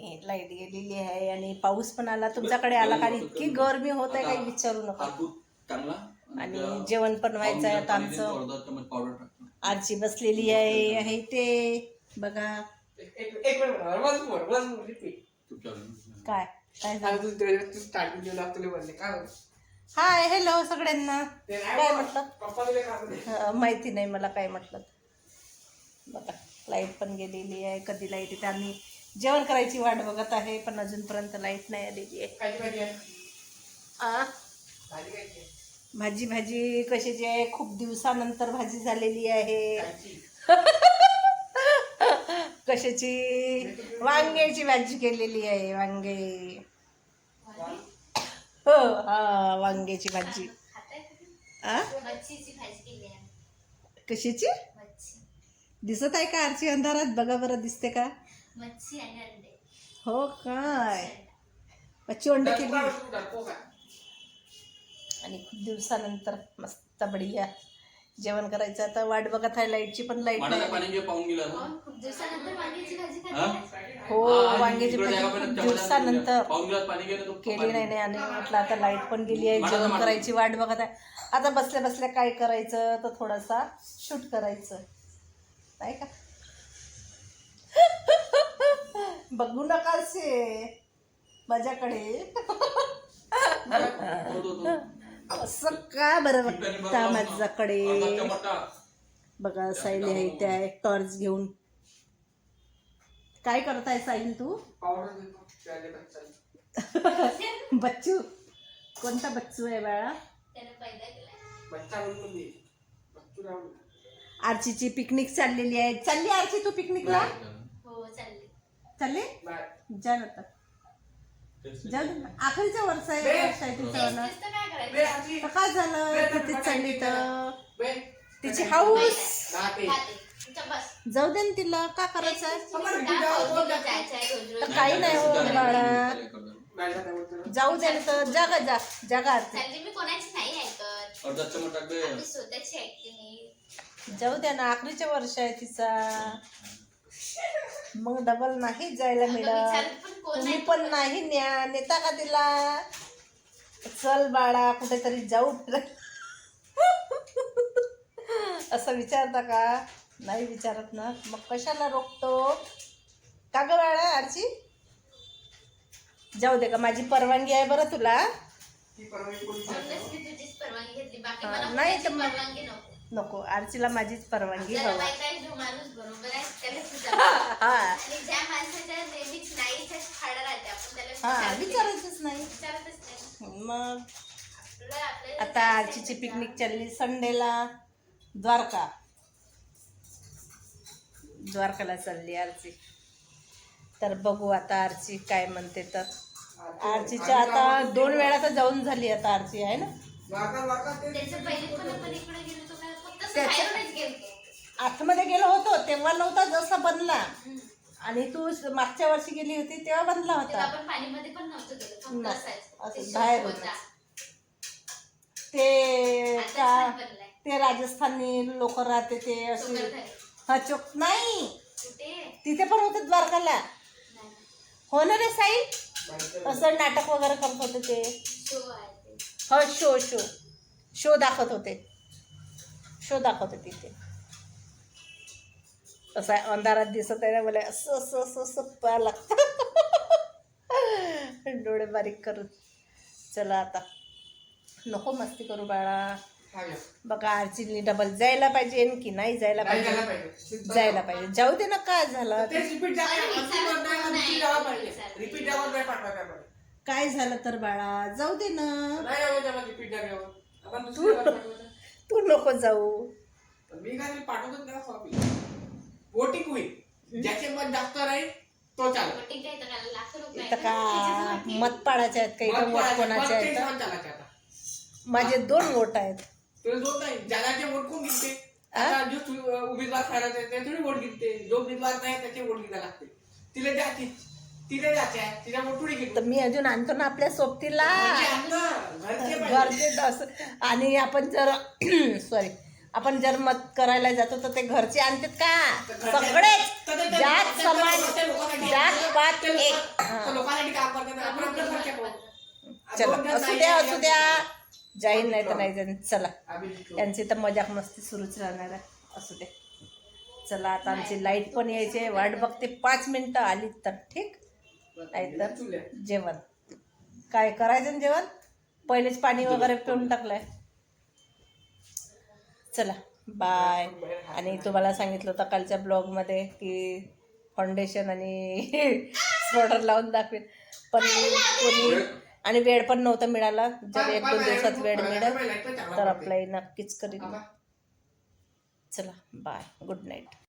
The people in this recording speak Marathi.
लाईट गेलेली आहे आणि पाऊस पण आला. तुमच्याकडे आला का? इतकी गरमी होत आहे, काही विचारू नका. आणि जेवण पण व्हायचं आहे आता आमचं. आजी बसलेली आहे ते बघा. काय हाय हॅलो सगळ्यांना. काय म्हटलं माहिती नाही मला काय म्हटलं. बघा लाईट पण गेलेली आहे. कधी लाईट येते? आम्ही जेवण करायची वाट बघत आहे पण अजूनपर्यंत लाईट नाही आलेली आहे. भाजी कशाची आहे? खूप दिवसानंतर भाजी झालेली आहे. कशाची? वांग्याची भाजी केलेली आहे. वांगे हो हा वांग्याची भाजी. कशाची दिसत आहे का आरची अंधारात? बघा बरं दिसते का? हो काय मच्छी अंडे केली. आणि खूप दिवसानंतर मस्त बढिया जेवण करायचं. आता वाट बघत आहे लाईटची पण लाईट नाही. हो वांग्याची भाजी खूप दिवसानंतर केली नाही आणि म्हटलं आता लाईट पण गेली आहे. जेवण करायची वाट बघत आहे. आता बसल्या बसल्या काय करायचं तर थोडासा शूट करायचं नाही का? बघू नका असे माझ्याकडे. असं का बरं बघता माझ्याकडे? बघा साईल आहे त्या टॉर्च घेऊन. काय करताय साईल तू? बच्चू कोणता बच्चू आहे बाळा? आरचीची पिकनिक चाललेली आहे. चालली आरची तू पिकनिकला? चालली जा आता. जाऊ दे. आखरीचं वर्ष आहे तिचं. काय झालं तिथे चालली तर तिची हाऊस. जाऊ दे ना तिला. का करायचं? काही नाही हो बाळा. जाऊ दे ना तर. जागा जा जागा. जाऊ द्या ना. आखरीचे वर्ष आहे तिचा. मग डबल नाही जायला मिळत. तुम्ही पण नाही नेता का तिला? चल बाळा कुठेतरी जाऊ. असं विचारता का? नाही विचारत ना. मग कशाला रोखतो का ग बाळा? आरची जाऊ दे का? माझी परवानगी आहे बरं तुला. नाही तर नको. आरचीला माझीच परवानगी. हा विचारायचंच नाही मग. आता आरचीची पिकनिक चालली संडेला द्वारकाला चालली आरची. तर बघू आता आरची काय म्हणते. तर आरचीच्या आता 2 वेळा तर जाऊन झाली आता आरची आहे ना. आतमध्ये गेलो होतो तेव्हा नव्हता जसा बनला. आणि तू मागच्या वर्षी गेली होती तेव्हा बनला होता. बाहेर होता ते राजस्थानी लोक राहते ते असे. हा चोक नाही तिथे पण होते द्वारकाला. हो ना रे साई? असं नाटक वगैरे करत होते ते. हो शो दाखवत होते. तिथे असं अंधारात दिसत आहे ना मला. असं पाहायला लागतं. डोळे बारीक करून. चला आता नको मस्ती करू बाळा. बघा आरचीने डबल जायला पाहिजे की नाही जायला पाहिजे? जायला पाहिजे. जाऊ दे ना. काय झालं? काय झालं तर बाळा? जाऊ दे ना. तू नको जाऊ. वोटिंग होईल. ज्याचे मत जास्त राहील तो चालेल. इथं का मत पाडायचे आहेत काही? वोट कोणाचे आहेत? माझे 2 वोट आहेत. ज्याचे वोट कोण घेते? जो उमेदवार ठरायचा आहे त्याचे वोट घेते. जो उमेदवार नाही त्याचे वोट घ्यायला लागते. तिला जायचे आहे तिला वोट थोडी घेते. तर मी अजून आणतो ना आपल्या सोबतीला घरचे. आणि आपण जर सॉरी आपण जर मत करायला जातो तर ते घरचे आणतात का? सगळेच जात समान, जात पात एक. तर लोकांसाठी काम करतात, आपण आपल्या घरच्या पाहू. चला दोन जण असू नाही द्या आहे, असू द्या, जाईन नाही तर आम्ही नाही जाईन. चला आम्ही जिंकलो. त्यांची तर मजाक मस्ती सुरूच राहणार आहे. असू दे. चला आता आमची लाईट पण यायची, वाट बघते. 5 मिनिटं आली तर ठीक, नाही तर चुल्या. जेवण काय करायचं ना जेवण. पहिलेच पाणी वगैरे पिऊन टाकलंय. चला बाय. आणि तुम्हाला सांगितलं होतं कालच्या ब्लॉगमध्ये की फाउंडेशन आणि पावडर लावून दाखवेल, पण कोणी आणि वेळ पण नव्हता मिळाला. जर 1-2 दिवसात वेळ मिळेल तर अप्लाय नक्कीच करीन. चला बाय, गुड नाईट.